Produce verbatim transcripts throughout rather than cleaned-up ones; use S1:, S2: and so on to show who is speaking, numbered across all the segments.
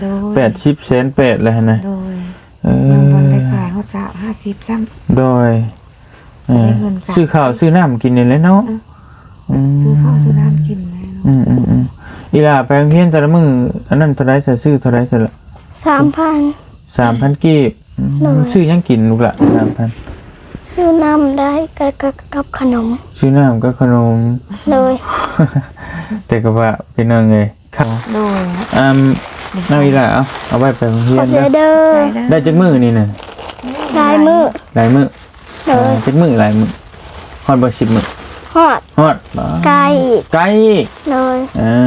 S1: แปดสิบแสนแปดเลยนะ
S2: โดยยังวันได้ขายเขาสาวห้าสิบซ้
S1: ำโดยซื้อข้าวซื้อน้ำกินนี่เลยเนาะ
S2: ซื้อข้าวซื้อน้ำกินเลย
S1: อืมอืมอืมอีหล่าไปโรงเรียนแต่ละมื้ออันนั้นเท่าไรจะซื้อเท่าไรจะละ
S3: สามพัน
S1: สามพันกีบซื้อยังกินลูกละสามพัน
S3: ซื้อน้ำได้กับกับขนม
S1: ซื้อน้ำกับขนม
S3: เลย
S1: แต่ก็ว่าเป็นยังไงครับ
S2: โดย
S1: อ่าน้าอีหล่าเอาเอาไว้ไปโรงเรียน
S3: เด้อ
S1: ได้จักมื้อนี่น่ะ
S3: หลายมื้อ
S1: หลายมื้อเลยจักมื้อหลายมื้อฮอดบ่สิบมื้อ
S3: ฮอด
S1: ฮอด
S3: ไกล
S1: ไกล
S3: เลย
S1: อ่า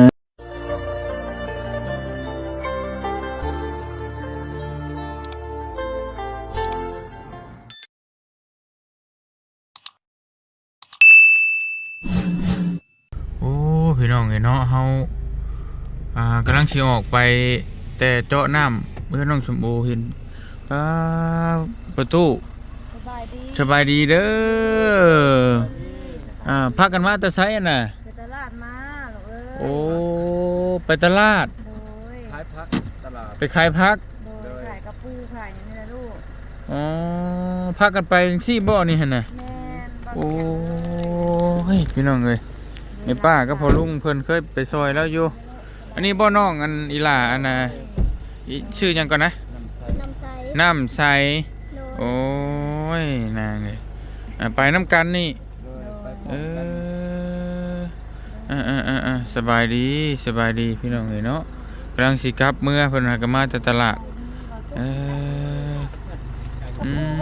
S1: พี่น้องไงเนาะเฮาอ่ากำลังสิออกไปแต่เจาะน้ำเมื่อน้องสมโอเห็นป้าประตูสบายดีสบายดีเด้ออ่าพักกันมาแต่ไสน่ะ
S2: ไปตลาดมาเอ้ย
S1: โอ้ไปตลาด
S2: ขายพัก
S1: ตลาดไปขายพัก
S2: ขายกระปูขายอย่างนี้นะลูก
S1: อ๋อพักกันไปที่บ่อนี่หั่นน่ะโอ้เฮ้ยพี่น้องเอ้ยไอ้ป้าก็พอลุงเพิ่นเคยไปซอยแล้วอยู่อันนี้บ่อน้องอันอีหล่าอันน่ะชื่อยังก่อนนะ
S3: น้ำใส
S1: น้ำใสโอ้ยนางเลยไปน้ำกันนี่เอออ่าอ่าอ่าอ่าสบายดีสบายดีพี่น้องเลยเนาะกำลังสิกลับเมื่อเพิ่นหากมาจากตลาดเอออืม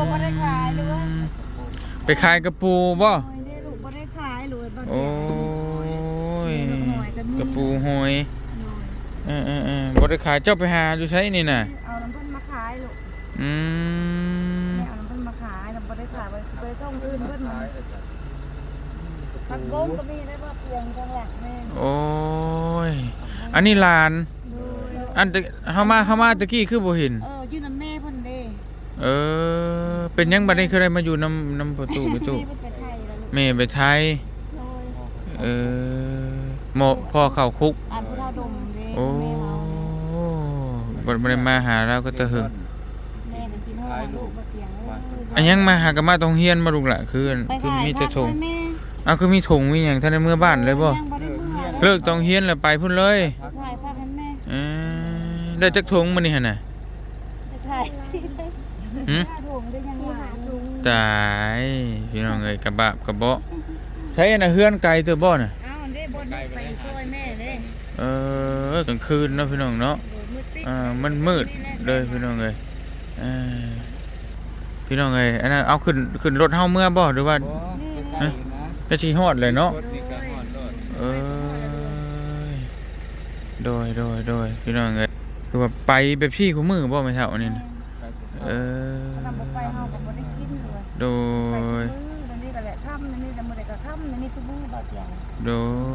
S1: ไปขายกระปูบ่โอ้ยกระปูหอยเออเออเออบริขายเจ้าไปหาอยู่ใช้นี่น่ะ
S2: เอาน้ำเพิ่นมาขายลูก
S1: อืม
S2: เอาน้ำเพิ่นมาขายน้ำบริขายไปไปส่งอื่นเพิ่นมาผักบงก็มีได้ว่าเปลี่ยนจังหวัดแม่
S1: โอ้ยอันนี้ลานอันเฮามาเฮามาตะกี้คือบ่เห็น
S2: เอออยู่นำแม่เพิ่นเด้
S1: เออเป็นยังบัดนี้คือได้มาอยู่นำนำประตูประตูแม่ไปไทยเออหมอพ่อเข้าคุก
S2: อันพุทธาดมเด้
S1: โอ้บ่ได้มาหาเราก็ตะหึง
S2: แม่ก็กินฮอดลูกบ่เตียงเอ้ย
S1: อันยังมาหากันมาตรงเฮียนมาลูกล่ะคือคือมีแต่ถุงอ้าวคือมีถุงมีหยังท่านในเมื่อบ้านเลยบ่เลิกตรงเฮียนแล้วไปพุ่นเลย
S2: ถ่ายภาพให้แม่
S1: เออได้จักถุงมื้อนี้หั่นน่ะ
S2: ถ่ายสิ
S1: หึ
S2: ถุงได้ยังหาถุง
S1: ตายพี่น้องเอ้ยกระบะกระเบาะใช้อันน่ะเฮือนไกลตัวบ่น่ะ
S2: ไปซอยแม่เลย
S1: เออกลางคืนเนาะพี่น้องเนาะอ่ามันมืดเลยพี่น้องเอ้ยเออพี่น้องเอ้ยอันนั้นเอาขึ้นขึ้นรถเฮาเมื่อบ่หรือว่าฮะจะสิฮอดเลยเนาะเออโดยโดยโดยพี่น้องเอ้ยคือว่าไปแบบพี่คู่มือบ่แม่เฒ่านี่นะเออ
S2: ไปเฮาก็บ่ได้กินเลย
S1: โดย
S2: นี่ก็แหละค่ำนี่แต่มื้อใดก็ค่ำนี่ซุมื้อบ่เที่ยง
S1: โด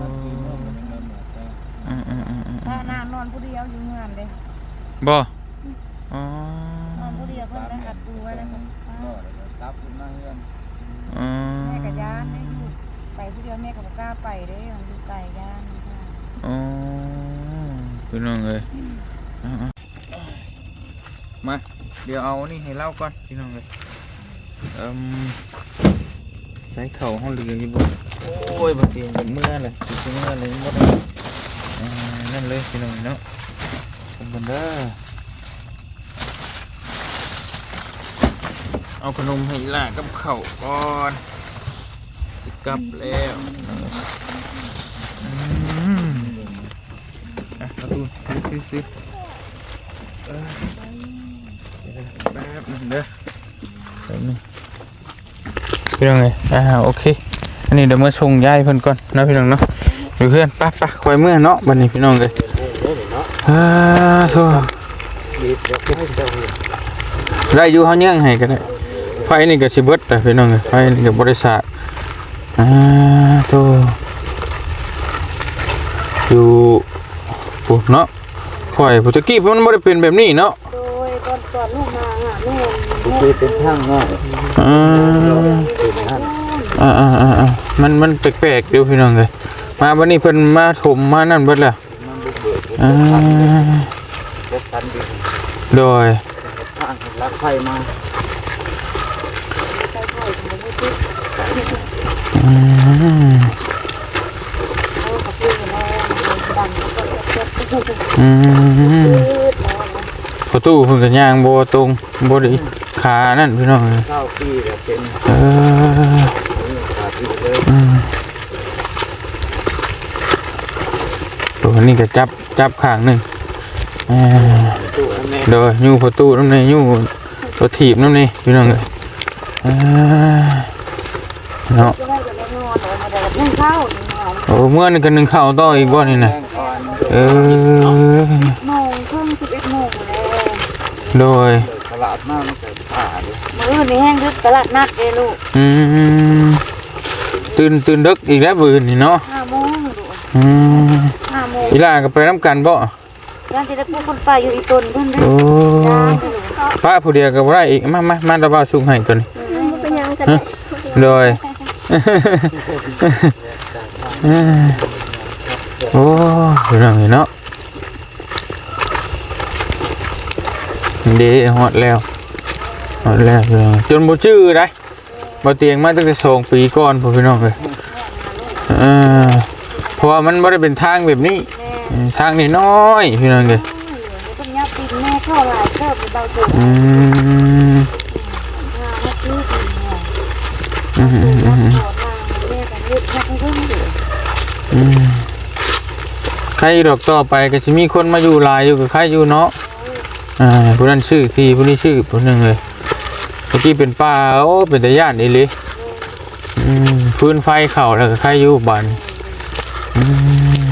S2: อ่าๆๆนอนผู้เดียวอยู่เฮือนเด้
S1: บ่อ๋อน
S2: อนผู้เดียวเพิ่นได้อัดตัวไว้แล้วก็รับขึ้นมาเฮือน
S1: อ๋อ
S2: แม่ก็ย่านได้อยู่ไปผู้เดียวแม่ก็บ่กล้าไปเด้มันอยู่ไกลย่านค่ะ
S1: อ๋อพี่น้องเอ้ยมาเดี๋ยวเอานี่ให้เล่าก่อนพี่น้องเอ้ยเอิ่มใช้เข่าห้องเรืออยู่บ่โอ้ยบางทีมันเมื่อเลยสิเมื่อเลยบ่ได้อ่านั่นเลยพี่น้องเนาะเป็นบันเด้อเอาขนมให้ล่ะกับข้าวก่อนสิกลับแล้วอืมอ่ะเอาตู้ซื้อๆเออแป๊บนึงเด้อแป๊บนึงพี่น้องไงอ่าโอเคอันนี้เดี๋ยวมาส่งยายเพิ่นก่อนนะพี่น้องเนาะเดี๋ยวเพื่อนปั๊บปั๊บคอยเมื่อเนาะบัดนี้พี่น้องเลยอ่าโธ่ได้อยู่เฮายังให้ก็ได้ไฟนี่ก็สิเบิดแต่พี่น้องเอ้ยไฟนี่ก็บ่ได้สาดอ่าโธ่อยู่ปุ๊บเนาะข่อยผู้ตะกี้มันบ่ได้เป็นแบบนี้เนาะ
S2: โดยก่อนก่อนลูกมาอ่ะแม่
S4: คือเป็นทางเนาะ
S1: อ่าอ่าอ่าอ่ามันมันแปลกๆเดี๋ยวพี่น้องเลยมาวันนี้เพิ่นมาถมมานั่นเบิดแล้วอ่า
S4: จัดสรรดิน
S1: โดย
S4: ทางลักไฟมา
S1: อืม
S2: เอากับพี่มาดันแล้วก็เจ็บเจ็บ
S1: อืม
S2: ยืดแล้วนะ
S1: ประตูเพิ่นก็ย่างบ่ตรงบ่ได้ขานั่นพี่น้องเอ้ย
S4: เก้าปีแล้วเป็น
S1: เออ
S4: ขาดที่เลย
S1: อืมตัวนี้ก็จับจับข้างหนึงเออ
S4: ตู้อันนี้
S1: โดยยูประตูน้ำในยูตัวถีบน้ำในพี่น้องเลยอ่าเนาะ
S2: จะได้จะได้นอนเอามาได้นึ่งข้าวนึ่งข้าว
S1: โอ้เมื่อนี่ก็นึ่งข้าวต่ออีกบ่นี่นะ
S4: แจ้งก่อน
S1: เออ
S2: โมงครึ่งสิบเอ็ดโมงแล้ว
S1: โดย
S4: ตลาดมากมันเกิดป่าเลย
S2: มื้อนี้แห้งคือตลาดนัดเด้ลูก
S1: อืมตื่นตื่นดึกอีกแล้วบืนนี่เนาะ
S2: ห้าโมงลูก
S1: อืม
S2: ห้าโมง
S1: อีหล่าก็ไปน้ำกันบ่
S2: ย่านจะได้พูดคนไปอยู่อีตนเพิ่นเด้
S1: โอ้
S2: ย่านเด้อลูก
S1: ป้าผู้เดียวก็บ่ได้อีกมามามาตะบ่าวสุกให้ตัวนี้
S3: เป็นยังกัน
S1: ฮะโดย โอ้พี่น้องเนาะเด้ฮอดแล้วฮอดแล้วพี่น้องจนบ่ชื่อได้บ่เตียงมาตั้งแต่สองปีก่อนพ่อพี่น้องเอ้ยเออเพราะว่ามันบ่ได้เป็นทางแบบนี้
S2: แม่
S1: เออทางนี่น้อยพี่น้องเอ้ย
S2: ต้นยับดินแม่เข้าหลายเทิบเบาตัว
S1: อืม
S2: หามาซื้อดินเนี่ย
S1: อืมอืมอืม
S2: ขอทางแม่กันยึดแค่เพิ่งอยู่
S1: อืมใครดอกต่อไปก็สิมีคนมาอยู่หลายอยู่กับใครอยู่เนาะอ่าผู้นั้นชื่อทีผู้นี้ชื่อผู้หนึงเลยเมื่อกี้เป็นป่าโอ้เป็นตาย่านอีหลีอืมพื้นไฟเข้าแล้วก็ใครอยู่บ้านอืม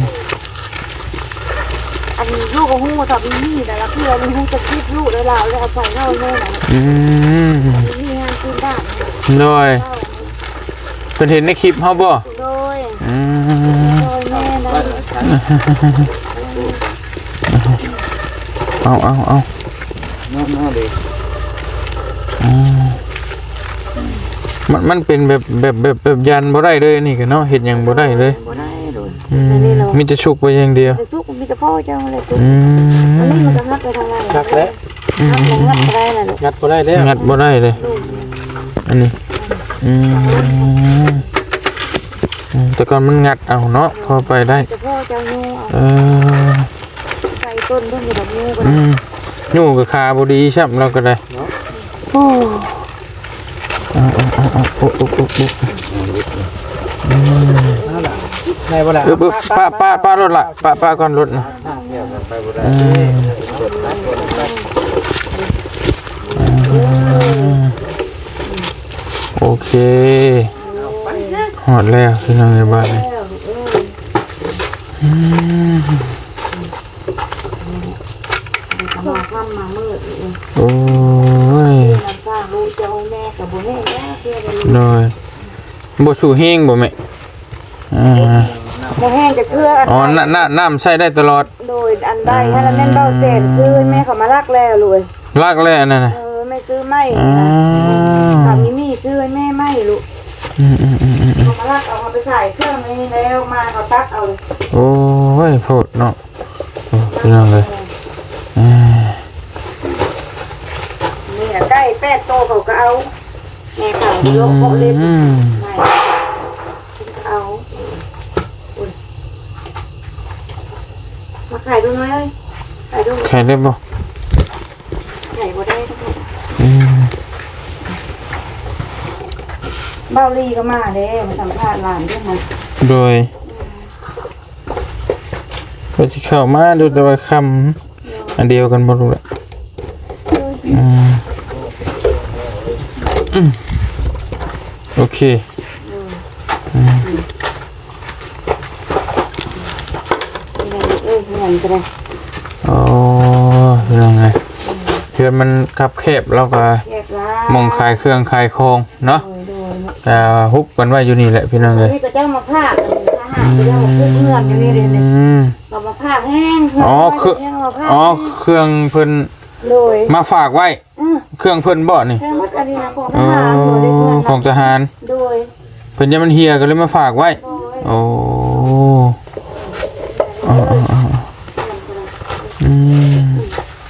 S2: อันนี้ลูกของหูสับมีแต่ละเพื่อนหูจะคิดลูกแล้วเราแล้วเอาไปเล่าแม่หน่อย
S1: อืม
S2: มีงานคืนบ้าน
S1: โดยเพิ่นเห็นในคลิปเฮาบ่
S2: โดย
S1: อืม
S2: โดยแม่นะ
S1: เอาเอาเอา
S4: น้องน้องเลย
S1: อืมมันมันเป็นแบบแบบแบบแบบยันบ่ได้เลยนี่ก็เนาะเฮ็ดหยังบ่ได้เลย
S4: บ่ได้โดน
S1: อืมมีแต่ชุกไปอย่างเดียว
S2: แต่ทุกมีแต่พ่อเจ้าเลยทุก
S1: อื
S2: อันนี้
S1: ม
S2: มันจะงัดไปทางไหน
S4: ชักแล้ว
S2: งัดลงงัดไปได้น่ะลูก
S4: งัดบ่ได้แล้ว
S1: งัดบ่ได้เลย อันนี้อืมอืมแต่ก่อนมันงัดเอาเนาะพอไปได้
S2: แต่พ่อเจ้างู
S1: เออ
S2: ใส่ต้นเพิ่งอยู่แบบงูก็
S1: อืมอยู่กับขาบ่ดีใช่เราก็ได้
S2: โอ้
S1: เอาเอาเอาเอาโอ้โอ้โอ้โอ้
S4: ได้บ่ล่ะ
S1: เออป้าป้าป้ารถละป้าป้าก่อนรถนะ
S4: ทางเที่ยวกันไปบ่ได้
S1: อืม
S4: กดนะกดนะ
S1: โอเคหอดแล้วพี่น้องในบ้านนี่อืม
S2: มาค่ำมามืด
S1: โอ้ย
S2: น้ำข้างลูกเจ้าแม่กับบุญแม่แม่เพื่อนเลย
S1: หน่อยบ่สู่เฮงบ่แม่อ่า
S2: โมแห้งจะเชื่อ
S1: อ๋อน้ำน้ำน้ำใช้ได้ตลอด
S2: โดยอันใดให้เราเน้นเบาเจนซื้อแม่เขามารักแล้วเลย
S1: ลากแล้วนั่นน่ะ
S2: เออไม่ซื้อไม่
S1: อ่า
S2: สามีนี่ซื้อให้แม่ไม่ลูก
S1: อืมอืมอืมอืม
S2: เขามารักเอาไปใส่เครื่องนี้แล้วมาเขาตักเอาเลย
S1: โอ้ยโพดเนาะโอ้พี่น้องเลยอ่า
S2: นี่ใกล้แป้โตเขาก็เอาแม่เขาโยกโคเล่น
S1: อืม
S2: ไม่เอามาขายดูหน่อยเลยขายดู
S1: ใครได้บ่
S2: ขายบ่ได้ทั้งหมด
S1: อืม
S2: เบาลีก็มาเด้มาสัมภาษณ์หลานด้วยมัน
S1: โดยก็สิเข้ามาดูแต่ว่าคำอันเดียวกันบ่รู้แหละอืมอืมโอเค
S2: เอ้ยเงินก็ได้
S1: โอ้ยังไงเพื่อนมันคับแคบแล้วก็
S2: แยกร้าน
S1: มองขายเครื่องขายของเนาะ
S2: โดยโดย
S1: แต่ฮุบกันไว้อยู่นี่แหละพี่น้องเลย
S2: นี่ก็เจ้ามาพากทหารก็เจ้ามาพูดเงื่อนอยู่นี่เลย
S1: อืม
S2: เรามาพากแห้ง
S1: อ๋อคืออ๋อเครื่องเพิ่น
S2: โดย
S1: มาฝากไว้
S2: อือ
S1: เครื่องเพิ่นบ่นี่
S2: แค่มัดอันนี้นะของท
S1: เอ
S2: หารโดยได้เงิ
S1: อนของทหาร
S2: โดย
S1: เพิ่นยังมันเฮียก็เลยมาฝากไว้
S2: โดย
S1: โอ้อ๋ออ๋ออ๋ออืม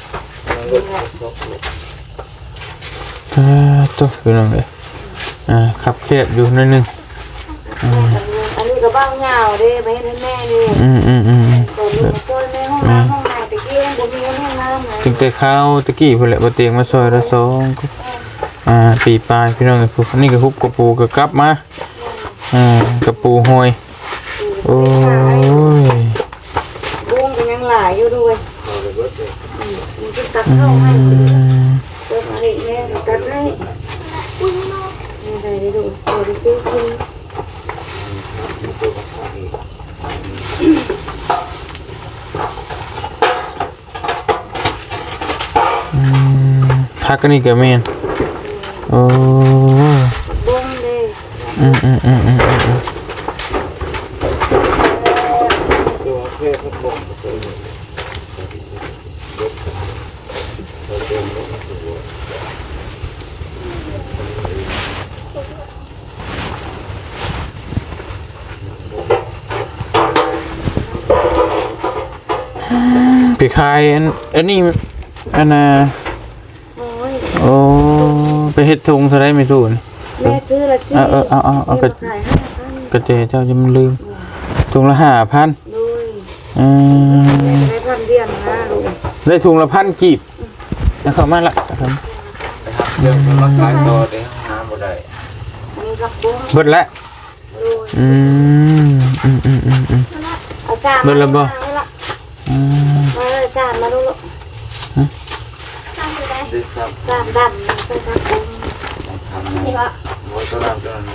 S1: อ่าตัวคือน้องเลยอ่าขับเครียดอยู่นิดนึงอืม
S2: อันนี้ก็บ้างเหงาเด้ไปให้แม่นี่
S1: อืมอืมอืม
S2: ตอนนี้มาช่วยแม่ห้องน้ำห้องน้ำตะกี้ยังบ่มีห้องน้ำเลย
S1: ถึงแต่ข้าวตะกี้พุ่นแหละบ่เตียงมาซอยละสองอ่าปีปลายพี่น้องเอ้ยพวกนี่ก็ฮุบกระปูก็กลับมาอ่ากระปูหอยโอ้ย
S2: บุ้งก็ยังหลายอยู่ด้วยมันจะตัดเข้าให้
S1: อืม
S2: เติมอะไรแม่ตัดให้นี่ได้ได้ดูเดี๋ยวไปซื้อกิน
S1: อืมพักอันนี้ก็แม่นโอ้
S2: บุ้งเลย
S1: อืมอืมอืมอืมอืม
S4: ตัวเพื่อนพวกผมเคยเห็น
S1: ไปขายอันอันนี้อันน่ะ
S2: โอ้ย
S1: โอ้ไปเฮ็ดถุงเท่าไรไม่ถูกนี่
S2: แม่ซื้อละสิ
S1: เออเออเอาเอาเอา
S2: ไป
S1: ไป
S2: ขายห้าพัน
S1: กระเจเจ้าจะมันลืมถุงละห้าพัน
S2: ด้วย
S1: อืม
S2: แม่ได้พันเดียวนะลูก
S1: ได้ถุงละพันกีบแล้วเข้ามาละครับ
S4: นะครับเรื่องมันขายตัวในห้องน้ำบ่ได้
S2: อันนี้กับบุ้ง
S1: เบิดละ
S2: ด้วย
S1: อืมอืมอืมอืมอืม
S2: เอาจาน
S1: เบิดละบ่
S2: มาละ
S1: อืม
S2: มาเลยจานมาดูลูก
S4: ได้ซ้ำ
S2: จานดำใส่ผักบุ้ง
S4: ทำนะมวยตัวนั้นตัวนั้น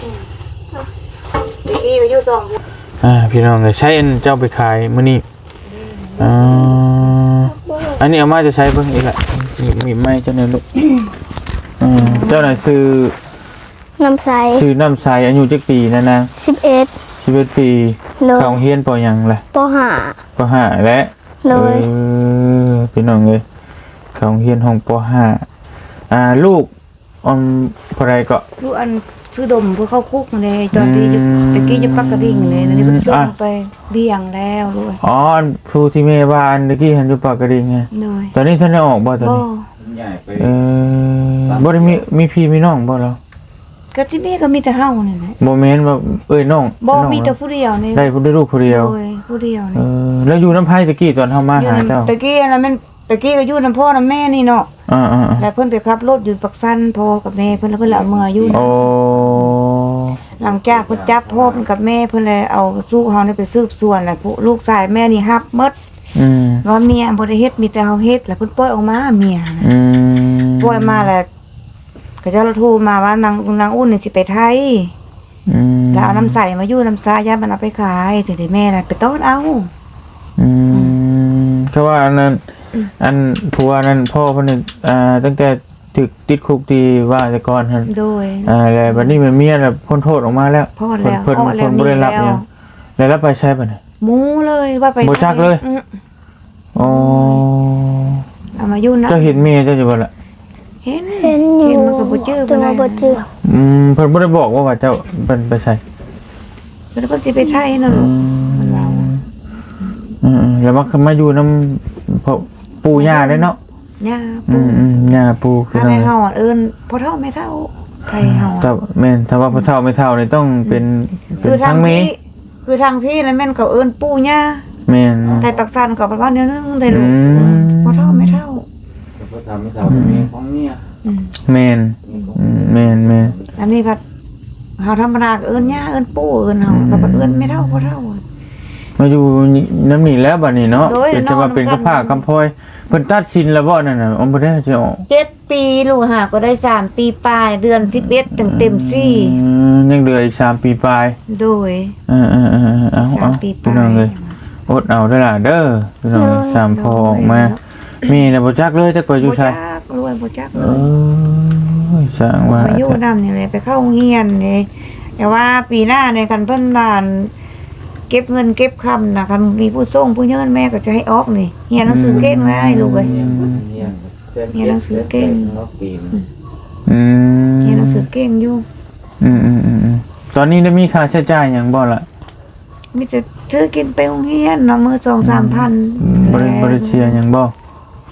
S2: ตะกี้อยู่สองบุ้ง
S1: อ่าพี่น้องก็ใช้อันเจ้าไปขายมื้อนี้อ่าอันนี้เอามาจะใช้เบิ่งอีกละมีมีไม้เจ้าหน่อยลูกอืมเจ้าหน่อยซื้อ
S3: น้ำใส
S1: ซื้อน้ำใสอายุจักปีนะนาง
S3: สิบเอ็ด
S1: สิบเอ็ดปี
S3: โล
S1: เข้าโรงเรียนปอหยังล่ะ
S3: ปห้า
S1: ปห้าและ
S3: โล
S1: เอย อพี่น้องเอ้ยเข้าโรงเรียนห้องปห้าอ่าลูกออนพอไรก็
S2: ลูกอันซื้อดมเพื่อเข้าคุกเลยตอนที่จะตะกี้จะปักกระดิ่งเลยนี่เพิ่งส่งไปเบี้ยงแล้วลูก
S1: อ๋ออันครูที่แม่บ้านเมื่อกี้เห็นอยู่ปากกระดิ่งไง
S2: หน่อย
S1: ตอนนี้ท่านได้ออกบ่ตอน
S2: บ่
S1: นี้
S4: ใหญ่ไป
S1: เออบ่ได้มีมีพี่มีน้องบ่แล้ว
S2: ก็ที่แม่ก็มีแต่เฮานี่แหละ
S1: บ่แม่นว่าเอ้ยน้อง
S2: บ่
S1: น้อง
S2: มีแต่ผู้เดียวนี่
S1: ได้ผู้ได้ลูกผู้เดียว
S2: โอ้ยผู้เดียว
S1: เอ
S2: นี่
S1: อแล้วอยู่น้ำไผตะกี้ตอนเฮามาหาเจ้า
S2: ตะกี้อันนั้นมันตะกี้ก็อยู่นํพ่อนํแม่นี่เนาะ
S1: อ่าๆ
S2: แล้วเพิ่นไปขับรถอยู่ปักสันพ่อกับแม่เพิ่นแล้วเพิ่นเอามืออยู่
S1: ๆโอ้
S2: หลังจากเพิ่นจับพ่อเพิ่นกับแม่เพิ่นเลยเอาลูกเฮานี่ไปสืบสวนแล้วผู้ลูกชายแม่นี่ฮับหมด
S1: อืม
S2: ว่าเมียบ่ได้เฮ็ดมีแต่เฮาเฮ็ดแล้วเพิ่นปล่อยออกมาเมียน่ะ
S1: อืม
S2: ปล่อยมาแล้วก็เจ้าโทรมาว่านางนางอุ่นนี่สิไปไทย
S1: อืม
S2: แล้วเอาน้ำใสมาอยู่น้ำซายามันเอาไปขายถึงได้แม่น่ะไปต้อนเอา
S1: อืมก็ว่าอันนั้นอันผัวนั้นพ่อเพิ่นนี่อ่าตั้งแต่ถึกติดคุกที่ว่าแต่ก่อนหั่น
S2: โดย
S1: อ่าแล้วบัดนี้มันเมียน่ะพ้นโทษออกมาแล้ว
S2: พ้นแล้ว
S1: เพิ่น
S2: พ้นแล้ว
S1: เพิ่นบ่ได้รับ
S2: มี
S1: ห
S2: แล้
S1: ยั
S2: ว
S1: งแล้วรับไปใช้บัดนี้
S2: หมูเลยว่าไป
S1: บ่จักเลย
S2: อืม
S1: อ๋อ
S2: เอามาอยู่นะ
S1: เจ้าเห็นเมียเจ้าอยู่บ่ล่ะ
S2: เห็น
S3: เห็นอยู่
S2: เห็นมันก็บ่จื้อ
S3: แต่
S2: ปาน
S3: ว่า
S2: ใด
S3: บ่จื้อ
S1: อืมเพิ่นบ่ได้บอกว่าว่าเจ้าเพิ่นไปใส่
S2: เพิ่นก็สิไปไทยนั่นลูกมันว่า
S1: อืมๆแล้วมามาอยู่นำพ่อปู่ย่าได้เนาะ
S2: ย่า
S1: อื
S2: ปู่
S1: มอืมย่าปู่คือ
S2: ถ้า
S1: นั่
S2: ให้
S1: น
S2: เฮาอ่ะเอิ้นพ่อเฒ่าแม่เฒ่าไทยเฮา
S1: แต่
S2: อะ
S1: แม่นถ้าว่าพ่อเฒ่าไม่เฒ่านี่ต้องเป็นเป็
S2: คื
S1: น
S2: อทา
S1: ทั้
S2: ง
S1: งเม
S2: พี่คือทางพี่แล้วแม่นเขาเอิ้นปู่ย่า
S1: แม่น
S2: ไทยปักสันก็ประมาณเดียวนึงได้ลูก
S1: อืม
S2: พ่อเฒ่าแม่เฒ่า
S4: ก็ทำไม่ทำมีของเนี่ย
S2: อืม
S1: แม่นอืมแม่นแม่น
S2: อันนี้พัดเฮาธรรมดาก็เอิ้นย่าเอิ้นปู่เอิ้นเฮาก็บ่เอิ้นแม่เฒ่าพ่อเฒ่า
S1: มาอยู่น้ำนี่แล้วบัดนี้เนาะ
S2: โดย
S1: เป็นจะว่าเป็น
S2: นอน
S1: กระผ้า
S2: กัน
S1: กำพลอยเพิ่นตัดสินแล้วบ่นั่นน่ะอมบ่ได้สิออก
S2: เจ็ดปีลูกหาก็ได้สามปีปลายเดือนสิบเอ็ดถึงเต็มสี่
S1: อืมยังเหลืออีกสามปีปลาย
S2: โดย
S1: เออๆๆเอา
S2: สา
S1: เอา
S2: มปีป
S1: พี่
S2: ลา
S1: น้อง
S2: ย
S1: เลยอดเอาเด้อล่ะเด้อพี่น้องสามพอออกมามีน่ะบ่จักเลยจักว่าอยู่
S2: บ่
S1: ไส
S2: จักรวยบ่จัก
S1: เอ
S2: เลย
S1: อสร้างว่า
S2: ไปอยู่นำนี่แหละไปเข้าโรงเรียนนี่แต่ว่าปีหน้าในคันเพิ่นบ้านเก็บเงินเก็บคำนะคันมีผู้ส่งผู้เยินแม่ก็จะให้ออกนี่เรียนหนังสือเก่งได้ลูกเอ้ย
S4: เนี่ยหนังสือเก่งปีน
S1: อืม
S2: เรียนหนังสือเก่งอยู่
S1: อืมอืมอืมอืมตอนนี้ได้มีค่าใช้จ่ายหยังบ่ล่ะ
S2: มีแต่ซื้อกินไปโรงเรียนเนาะมื้อสองสามพัน
S1: บริบริเชียหยังบ่
S3: บ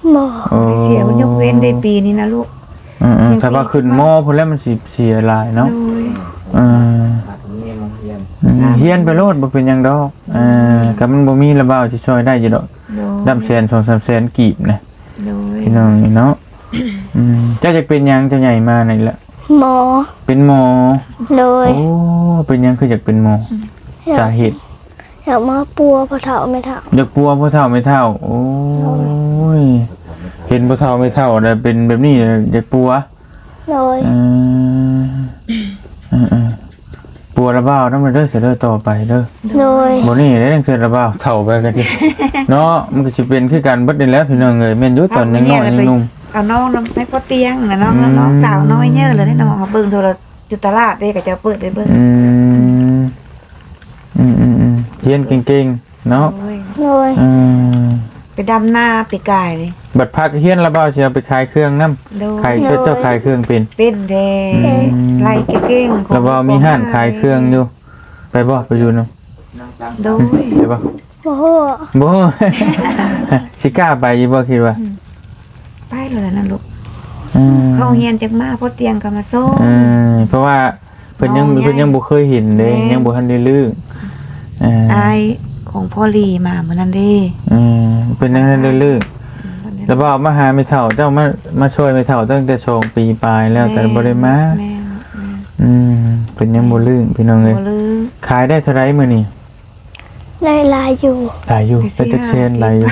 S3: บ่
S1: โอ้
S2: เสียมันยกเว้นได้ปีนี้นะลูก
S1: อืมๆแต่ว่าขึ้นมอพุ่นแล้วมันสิเสียหลายเนาะ
S2: โดย
S1: อืม
S4: หัดเงียบเงียบ
S1: อืมเฮียนไปโลดบ่เป็นหยังดอกเอ่อก็มันบ่มีระเบ้าที่ช่วยได้อยู่ดอก
S2: โดย
S1: ดำแสน สองสามแสนกีบนะ
S2: โดย
S1: พี่น้องนี่เนาะอืมเจ้าจะเป็นหยังเจ้าใหญ่มานี่แหละ
S3: หมอ
S1: เป็นหมอ
S3: โดย
S1: โอ้เป็นหยังคืออยากเป็นหมอสาเหตุ
S3: อยากมาปัวพอเฒ่าไม่เฒ่า
S1: อยากปัวพ่อเฒ่าไม่เฒ่าโอ้ยเห็นพ่อเฒ่าไม่เฒ่าแล้วเป็นแบบนี้อยากปัว
S3: โดย
S1: เออเออเออปัวระเบ้านั้นมันเด้อเสียเด้อต่อไปเด้อ
S3: โดย
S1: บ่นี่ได้จังเทื่อระเบ้าเฒ่าไปกันดิเนาะมันก็สิเป็นคือกันเบิดนี่แหล้วพี่น้องเอ้ยแม่นอยู่ตอนยังน้อยยังหนุ่ม
S2: เอาน้องน้ำให้พ่อเตียงนะน้อง
S1: อืม
S2: น้องสาวน้อยเยอะเลยได้น้องเอาเบิ่งโทรอยู่ตลาดเด้ก็จะเปิดได้เบิ่ง
S1: อืมอืมอืมอืมเรียนเก่งๆเนาะ
S2: โอ้ย
S3: โดย
S1: อืม
S2: ไปดำหน้าไปกายเลย
S1: บัดพักเฮียนระเบ้าสิเอาไปขายเครื่องนำ
S2: โดย
S1: ขายเจ้าขายเครื่องเป็น
S2: เป็นแด
S1: อืม
S2: ไล่เก่งๆของ
S1: ระเบ้ามีห้านขายเครื่องอยู่ไปบ่ไปอยู่เนาะ
S2: โดย
S1: ไปบ่
S3: บ่ฮู้
S1: บ่ สิกล้าไปอยู่บ่คิดว่า
S2: ไปเลยนะลูก
S1: อืม
S2: เข้าเฮียนจากมาพ่อเตียงก็มาส่ง
S1: อืมเพราะว่าเพิ่นยัง
S2: น้องใหญ่
S1: เพิ่นยังบ่เคยเห็นเด้
S2: แม่
S1: ยังบ่ทันได้ลือเอ่อ
S2: อายของพ่อลีมาเหมือนนั้นเด้
S1: อืมเพิ่นยังทันได้ลือแล้วบ่เอามาหาไม่เฒ่าเจ้ามามาช่วยไม่เฒ่าตั้งแต่สองปีปลายแล้วแต่บ่ได้มา
S2: แม่น
S1: อืมเพิ่นยังบ่ลือพี่น้อง
S2: แม่
S1: เอ้ย
S2: บ่ลืม
S1: ขายได้เท่าไหร่มื้อนี้
S3: ได้ลายอยู่
S1: หลายอยู่
S2: ไป
S1: เป็น
S2: ซื้
S1: จัก
S2: อ
S1: เซนหลายอยู่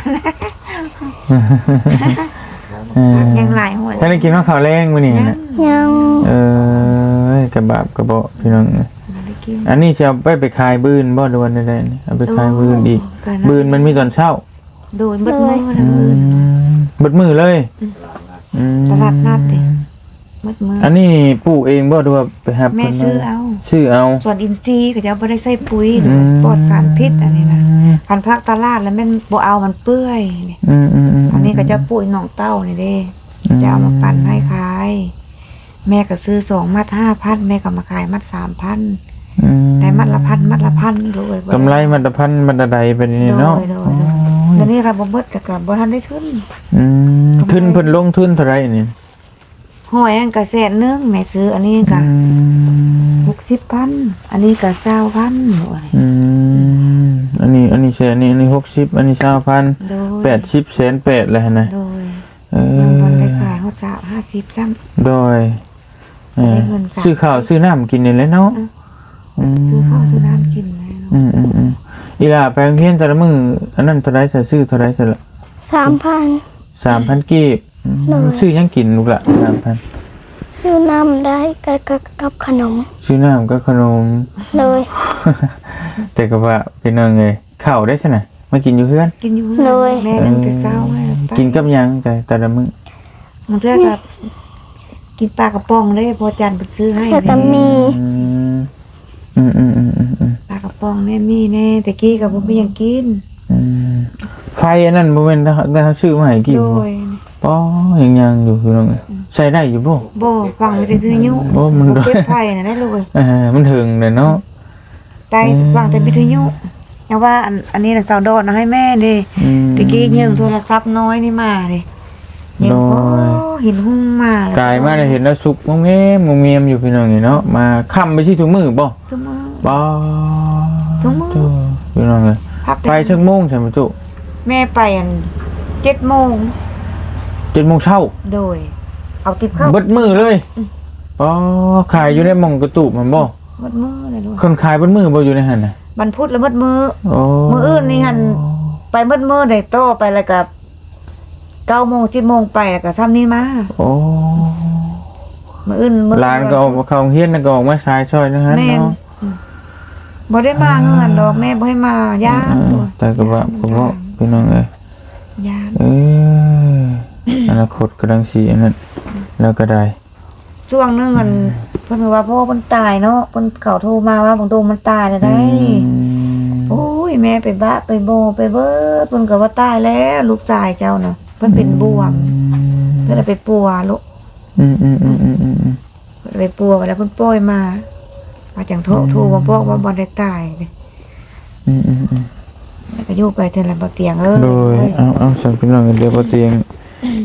S1: เออ
S2: ยังหลายหัว
S1: ท่านได้กินข้าวขาวแรงมื้อนี้
S2: ยัง
S1: นะ
S3: ยัง
S1: เออกระบาบกระเบาะพี่น้องเอ้ย
S2: บ่ได้กิน
S1: อันนี้จะเอาไปไปขายบืนบ่ดวนได้ๆนี่เอาไปขายบืนอีก บืนมันมีตอนเช้า
S2: โดนเบิดมือนะ
S1: อื
S2: มือ
S1: มเบิดมือเลยอืม
S2: ตลาดนัดดิ เบิดมือ
S1: อันนี้นี่ปลูกเองบ่ดูว่าไปหา
S2: แม่
S1: เพิ่น
S2: ซื้อเอา
S1: ซื้อเอา
S2: ส่วนอินทรีย์ก็จะบ่ได้ใส่ปุ๋ยหรือปลอดสารพิษอันนี้นะพันธุ์ภาคตลาดแล้วแม่นบ่เอามันเปื่อยนี่
S1: อืมอืมอืม
S2: อันนี้ก็จะปุ๋ยหนองเต้านี่เด้จะเอามาปั่นให้ขาย แม่ก็ซื้อสองมัดห้าพันแม่ก็มาขายมัดสามพัน
S1: อืม
S2: ได้มัดละพันมัดละพันเลย
S1: กำไรมันตะพันมันตะใดเป็นนี่เนาะ
S2: โดยโดยโดย แล้วนี่ค่ะบ่เบิดก็ก็บ่ทันได้ทุน
S1: อืมทุนเพิ่นลงทุนเท่าไหร่นี่
S2: หอยอันก็แสนนึงแม่ซื้ออันนี้ก็
S1: อืม
S2: หกสิบพันอันนี้ก็เก้าพันโอ้ย
S1: อืมอันนี้อันนี้แสนนี่อันนี้หกสิบอันนี้เก้าพัน
S2: โดย
S1: แปดสิบแสนแปดเลยนะ
S2: โดย
S1: เออ
S2: ยังบ่ได้ขายเฮาสาวห้าสิบซ้ำ
S1: โดยเออ
S2: ได้เงินจ้ะ
S1: ซื้อข้าวซื้อน้ำกินนี่แหละเนาะม
S2: ซื้อข้าวซื้อน้ำกินนะ
S1: อืมอืมอืมอีหล่าไปโรงเรียนแต่ละมื้ออันนั้นเท่าไหร่จะซื้อเท่าไหร่แต่ละ
S3: สามพัน
S1: สามพันกีบอืม
S3: โดย
S1: ซื้อหยังกินลูกละสามพัน
S3: ซื้อน้ำได้กับกับกับขนม
S1: ซื้อน้ำก็ขนม
S3: เลย
S1: แต่ก็ว่าเป็นยังไงข้าวได้ใช่ไหมมากินอยู่เพื่อน
S2: กินอยู่
S3: เลย
S2: แม่นั่งแต่เช้าให้
S1: กินกับหยังแต่แต่ละมื้อ
S2: มันเทื่อกับกินปลากระป๋องเลยพอจันไปซื้อให้
S3: แล้วก็มี
S1: อืมอืมอืมอืมอืม
S2: ปลากระป๋องแน่มีแน่แต่กี้ก็บ่มีหยังกิน
S1: อืมไฟอันนั้นบ่แม่นได้เขาซื้อมาให้กิน
S2: โด
S1: บ่
S2: ย
S1: ป้อยังยังอยู่คือน้องใช้ได้อยู่บ่
S2: บ่ฟังไม่ได้คือยุ
S1: โอ้มัน
S2: บ่เก็บไผ่น่ะได้เลย
S1: เออมันถึงเลยเนาะ
S2: ไตฟังแต่วิทยุแต่ว่าอันอันนี้น่ะสาวดอนเอาให้แม่ดิ
S1: อืม
S2: ตะกี้ยิงโทรศัพท์น้อยนี่มาดิยิง
S1: โด
S2: โอ้
S1: ย
S2: เห็นหุ้งมาแล้ว
S1: กายมาได้เห็นแล้วสุกงงแงมงเงียมอยู่พี่น้องนี่เนาะมาค่ำไปสิถุงมือบ่
S2: ซุมื้อ
S1: บ่
S2: ถุงมือ
S1: โธ่พี่น้องเอ้ย
S2: พัก
S1: ไปชั่วโมงใช่มั้ยจุ
S2: แม่ไปอันเจ็ดโมง
S1: เจ็ดโมงเช้า
S2: โดย เอาติบเข้า
S1: เบิดมือเลยอ๋อขายอยู่ในหม่องกระตูบมันบ่
S2: หมดมือเลยลูก
S1: คนขายเบิดมือบ่อยู่ในหั่นน่ะ
S2: มันพูดแล้วหมดมือ
S1: โอ้
S2: มื้ออื่นนี่หั่น ไปหมดมือได้โตไปแล้วก็เก้าโมงสิบโมงไปแล้วก็ซ้ำนี้มา
S1: โอ้
S2: มื้ออื่นหมด
S1: ร้านก็ออกเข้าโรงเรียนน่ะก็ออกมาขายช่อยนะฮะ
S2: แม่น
S1: เนาะ
S2: บ่ได้มาเงินดอกแม่บ่ให้มาย่าน
S1: เออแต่ก็ว่าก็บ่พี่น้องเอ้ย
S2: ย่าน
S1: เอออนาคตกำลังสิอันนั้นแล้วก็ได้
S2: ช่วงหนึงอันเพิ่นว่าพ่อเพิ่นตายเนาะเพิ่นเขาโทรมาว่าบางตรงมันตายแล้วได้
S1: อืม
S2: โอ้ยแม่ไปบ้าไปโบไปเบิดเพิ่นก็ว่าตายแล้วลูกชายเจ้าน่ะเพิ่นเป็นบวมเพิ่นเลยไปปัวลูก
S1: อืมอืมอืมอืมอืม
S2: เพิ่นไปปัวแล้วเพิ่นปล่อยมาว่าจังโทรโทรมาบอกว่าบ่ได้ตายเลย
S1: อืมอืมอืม
S2: แล้วก็อยู่ไปเท่านั้นบ่เตียงเอ้ย
S1: โดย
S2: เอ้ย
S1: เอาเอาสั่งพี่น้องเดี๋ยวพอเตียง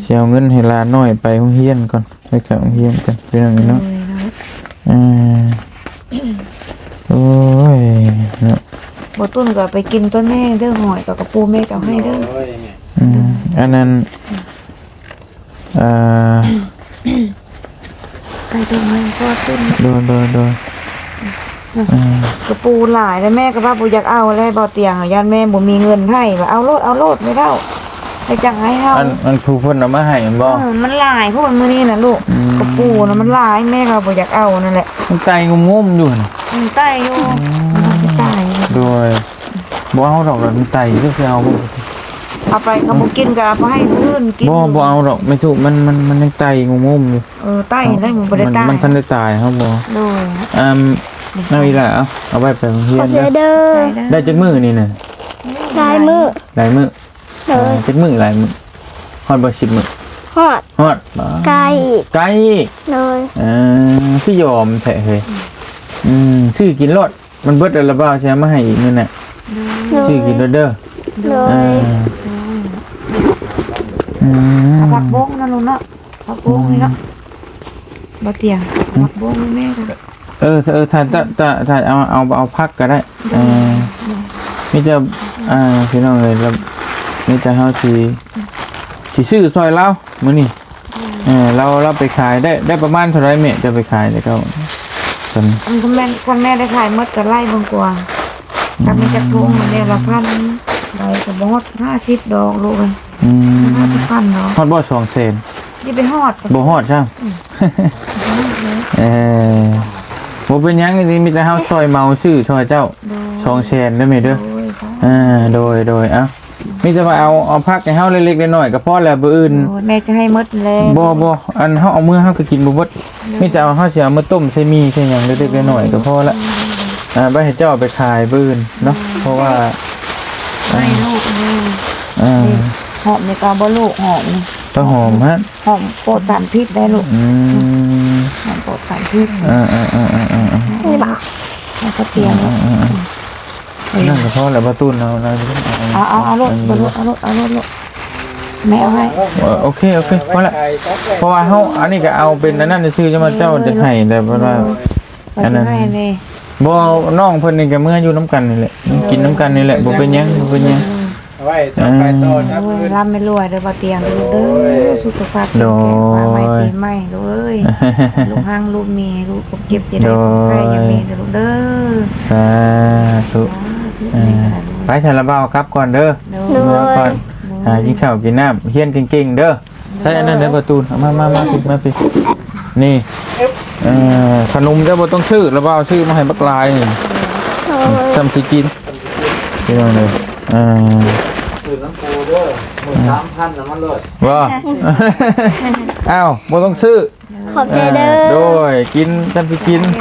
S1: สิเอาเงินให้หลานน้อยไปโรงเรียนก่อนไปเข้าโรงเรียนกันพี่น้องเนาะอ่าโอ้ยเนาะ
S2: บ่ตุ้นก็ไปกินต้นแม่เด้อหอยกับกระปูแม่ก็เอาให้เด้อ
S1: อืมอันนั้นอ่า
S2: ใส่ตรงนั้นก็ขึ้น
S1: โดนโดนโดนอ่าก
S2: ระปูหลายแล้วแม่ก็ว่าบ่อยากเอาแล้วบ่เตียงอ่ะย่านแม่บ่มีเงินให้ว่าเอาโลดเอาโลดไม่เด้าไปจังให้เฮา
S1: อันอันผู้เพิ่นเอามาให้แม่นบ่
S2: เออมันหลายเพราะว่ามื้อนี้น่ะลูก
S1: อืม
S2: กระปูน่ะมันหลายแม่ก็บ่อยากเอานั่นแหละ
S1: มันใจงมๆอยู่น่ะ
S2: มันใต้อยู่มันจะตาย
S1: โดยบ่เอาดอกแล้วมันใจซื่อๆเอาบ่
S2: เอาไปเขาบ่กินก็เอาไปให้ผู้อื่นกิน
S1: บ่บ่เอาดอกไม่ถูกมันมันมันยังใจงมๆอยู่
S2: เออใต้ได้มันบ่ได้
S1: มัน
S2: ตาย
S1: มันทันได้ตายครับบ่
S2: โดย
S1: อืมเอาอีกแล้วเอาเอาไว้ไปโรงเรี
S3: ข
S1: ย
S3: อน บใจ
S1: เด้อ
S3: เด้อ
S1: ได้จักมื้อนี่น่ะ
S3: ลายมือ
S1: หลายมื้อ
S3: เลย
S1: จักมื้อหลายมื้อฮอดบ่สิบมื้อ
S3: ฮอด
S1: ฮอดบ่
S3: ไก่อีก
S1: ไกลอีก
S3: เลย
S1: เออสิยอมแท้เฮ้ยอืมซื้อกินรถมันเบิดแล้วบ่ใช่มาให้อีกนั่นน่ะ
S3: เลย
S1: ซื้อกินรถเด้อ
S3: เล
S1: เอย ออืม
S2: เอาผักบงนั่นลูกเนาะผักบงนี่เนาะบ่เตียงผักบงแม่ก็
S1: เออเออถ้าถ้าถ้าถ้าเอาเอาเอาพักก็ได้เออมีแต่อ่าพี่น้องเอ้ยแล้วมีแต่เฮาสิสิซื้อซอยเรามื้อนี้เออเราเราไปขายได้ได้ประมาณเท่าไหร่แม่จะไปขายได้ก็ตอน
S2: อันคุณแม่คุณแม่ได้ขายหมดก็ไล่เบิ่งกว่าถ้ามีจักทุงมันได้ละพันได้ก็บ่ฮอดห้าสิบดอกลูกเอ้ย
S1: อืม
S2: ห้าสิบพันเนาะ
S1: ฮอดบ่สองแสน
S2: นี่ไปฮอด
S1: บ่ฮอดใช่เออบ่เป็นหยังนี่มีแต่เฮาซอยเมาซื้อซอยเจ้าสองแสนได้ไหมเด้อ
S2: โอ้ยค่ะ
S1: อ่าโดยโดยเอ้ามีแต่ว่าเอาเอาพักให้เฮาเล็กๆน้อยๆก็พอแล้วบ่อื่น
S2: โอ้ยแม่จะให้หมดเลย
S1: บ่บ่อันเฮาเอามือเฮาก็กินบ่เบิดมีแต่เอาเฮาสิเอามาต้มใส่หมี่ใส่หยังเล็กๆน้อยๆก็พอละอ่าบ่ให้เจ้าเอาไปขายบื้นเนาะเพราะว่า
S2: ให้ลูกนี่
S1: อ่า
S2: หอมในกาบ่ลูกหอมนี่
S1: ต้นหอมฮะ
S2: หอมโปรดสารพิษได้ลูก
S1: อืม
S2: หอมโปรดสารพิษ
S1: อ่าอ่าอ่าอ่าอ่า
S3: นี่บ่า
S2: ให้เขาเตรียม
S1: นั่นก็พอแล้วบ่ตุ้นเอานะ
S2: เอาเอาเอาลูกเอาลูกเอาลูกเอาลูกลูกแม่เอาให้
S1: เออโอเคโอเคพอละเพราะว่าเฮาอันนี้ก็เอาเป็นอันนั้นซื่อๆจะมาเจ้าจะให้แต่เพราะว่า
S2: เราจะให้เลย
S1: บ่น้องเพิ่นนี่ก็เมื่ออยู่น้ำกันนี่แหละกินน้ำกันนี่แหละบ่เป็นหยังบ่เป็นหยัง
S4: ไว้ต่อไปต่อนะ
S2: โอ้ยร่ำไม่รวยเด้อบ่เตียงลูกเด้อสุขภาพแข็งแรงว่าไม่ปีใหม่ลูกเอ้ยลูกห้างลูกมีลูกเก็บจะได้ใครยังมีลูกเด้อ
S1: สาธุไปฉันละเบากลับก่อนเด้อ
S3: เล
S1: เมื่อย ก่อนอ่ากินข้าวกินน้ำเฮียนเก่งๆเด้อใช่อันนั้นเด้อประตูเอามามามาปิดมาปิดนี่เอ่อขนมเด้อบ่ต้องชื่อละเบาชื่อมาให้บักลายนี่
S3: เลย
S1: จำสิกินพี่น้องเลยอ่า
S4: คือน้ำปูเด้อหมื่นสามพันน้ำมันเลย
S1: ว่าอ้าวบ่ต้องซื้อ
S3: ขอบใจเด้อ
S1: โดยกินจำสิกิน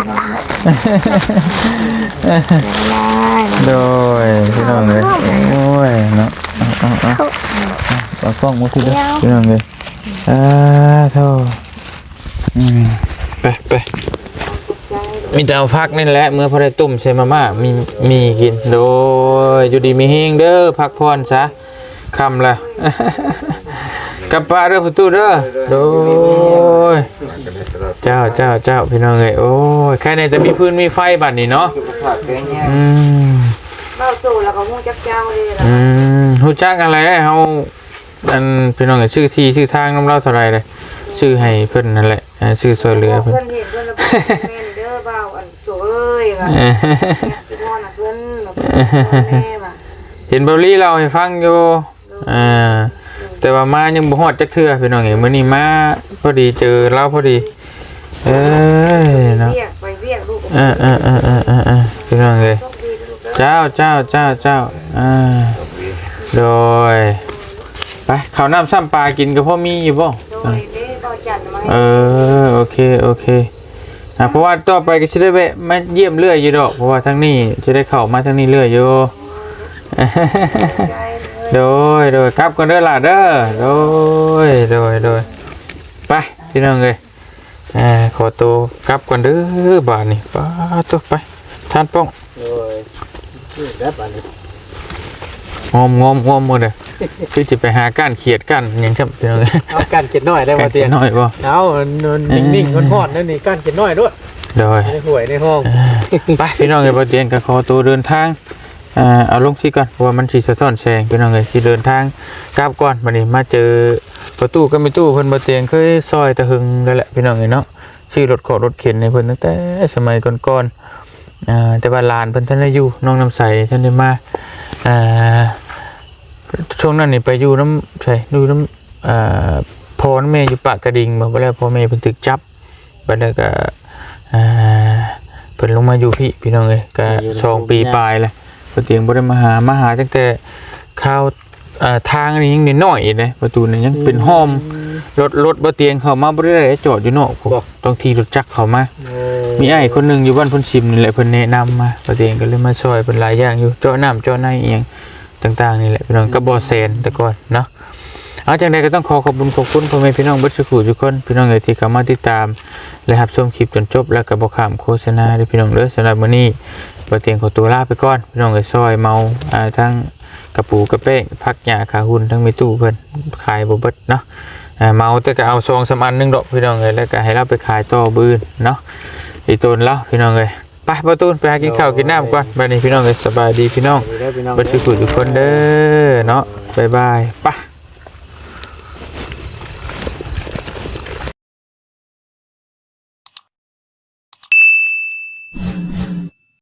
S1: โดยพี่น้องเลยโอ้ยเนาะเอาเอาเอาเอากล้องมาทีเดียวพี่น้องเลยอ่าเท่าอืมไปไปมีแต่เอาพักนี่แหละเมื่อพอได้ตุ่มใส่มาม่ามีมีกินโดยอยู่ดีมีเฮงเด้อพักผ่อนซะคำละกลับป้าเด้อประตูเด้อโดยเจ้าเจ้าเจ้าพี่น้องเลยโอ้ยแค่ในแต่มีพื้นมีไฟบัดนี้เนาะ
S4: ผักแกงแห้ง
S1: อืม
S2: เบ้าสู่แล้วก็มุ่งจักเจ้าเลยล่ะ
S1: อืมฮู้จักอะไรเฮาอันพี่น้องเอ้ยชื่อที่ชื่อทางนำเราเท่าไหร่เลยชื่อให้เพิ่นนั่นแหละอ่าชื่อช่วยเหลือเพิ่น
S2: เพิ่นเห็นเพิ่นแล้วเพิ่นแม่นเด้อเบ้าอันโสเอ้ยว่า
S1: เออ
S2: พี่พ่อน่ะเพิ่นเพิ่นแม่ว่า
S1: เห็นเบาลี่เราให้ฟังอยู่อ่าแต่ว่ามายังบ่ฮอดจักเทื่อพี่น้องเอ้ยมื้อนี้มาพอดีเจอเราพอดีเอ้ยเนาะ
S2: เรียกไปเรียกลูก
S1: เออเออเออเออเออเออพี่น้องเอ้ย
S2: โชคดีลูกเด้อ
S1: เจ้าเจ้าเจ้าเจ้าอ่าโดยไปข้าวน้ำซ้ำปลากินก็พอมีอยู่บ่
S2: โดยเด้เบ้าจันทร์มา
S1: เออโอเคโอเคอ่ะเพราะว่าต่อไปก็จะได้แวะมาเยี่ยมเรื่อยอยู่ดอกเพราะว่าทั้งนี้จะได้เข้ามาทั้งนี้เรื่อยอยู่ โดยโดยครับกันเด้อล่ะเด้อโดยโดยโดยไปพี่น้องเลยอ่าขอตัวกลับกันเด้อบาทนี่ป้าตัวไปท่านป้อง
S4: เลยชื่อแล้วอันนี้
S1: งอมงอมงอมหมดเลยคือจะไปหาก้านเขียดก้านหยังครับพี่น้อง
S5: เอาการเก็บน้อยได้
S1: ก้า
S5: บ่
S1: น
S5: เตี
S1: เขี
S5: ย
S1: ย
S5: ง
S1: ดน้อยบ่
S5: เอานิ่งๆฮ้อนๆนั่นนี่การเก็บน้อยด้วย
S1: โดย
S5: ในห่วยในห้อง
S1: ไปพี่น้องเอ้ยบ่เตียงก็ขอตัวเดินทางอ่าเอาลงที่ก่อนเพราะว่ามันสิสะท้อนแสงพี่น้องเอ้ยสิเดินทางกลับก่อนบัดนี้มาเจอประตูก็มีตู้เพิ่นบ่เตียงเคยซอยตะหึงนั่นแหละพี่น้องเอ้ยเนาะชื่อรถขอรถเข็นให้เพิ่นตั้งแต่สมัยก่อนๆอ่าแต่ว่าหลานเพิ่นท่านได้อยู่น้องน้ำใสท่านได้มาอ่าช่วงนั้นนี่ไปอยู่น้ำใช่อยู่น้ำอ่าพ่อแม่อยู่ปากกระดิ่งบ่บ่แล้วพ่อแม่เพิ่นถูกจับบัดนั้นก็อ่าเพิ่นลงมาอยู่พี่พี่น้องเอ้ยก็สองปีปลายแล้วบ่เตียงบ่ได้มาหามาหาตั้งแต่ข้าวอ่าทางนี่ยังน้อยๆเลยประตูนี่ยังเป็นห้อมรถรถบ่เตียงเข้ามาบ่ได้จอดอยู่นอกผมต้องขี่รถจักรเข้ามา มีไอ้คนหนึ่งอยู่บ้านเพ่นชิมนี่แหละเพิ่นแนะนำมาประเด็นก็เลยมาช่วยเป็นหลายอย่างอยู่เจาะน้ำเจาะในเอียงต่างๆนี่แหละพี่น้องก็บ่แซนแต่ก่อนเนาะเอาจังใดก็ต้องขอขอบคุณขอบคุณพ่อแม่พี่น้องเบิดทุกผู้ทุกคนพี่น้องเอ๋ยที่เข้ามาติดตามและรับชมคลิปจนจบแล้วก็บ่ข้ามโฆษณาเด้อพี่น้องเด้อสำหรับมื้อนี้ประเด็นขอตัวลาไปก่อนพี่น้องเอ๋ยซอยเมาอ่าทั้งกระปูกระเป้งผักหญ้าขาหุ่นทั้งมีตู้เพิ่นขายบ่เบิดเนาะอ่าเมาแต่ก็เอาซองสามอันหนึงดอกพี่น้องเอ๋ยแล้วก็ให้เราไปขายต่อบื้นเนาะอีตูนแล้วพี่น้องเอ้ยไปประตูนไปหากินข้าวกินน้ำก่อนบัดนี้พี่น้องเอ้ยสบายดีพี่น้อง
S5: พี่น้อง
S1: บัดทุกคนทุกคนเด้อเนาะบ๊ายบายไป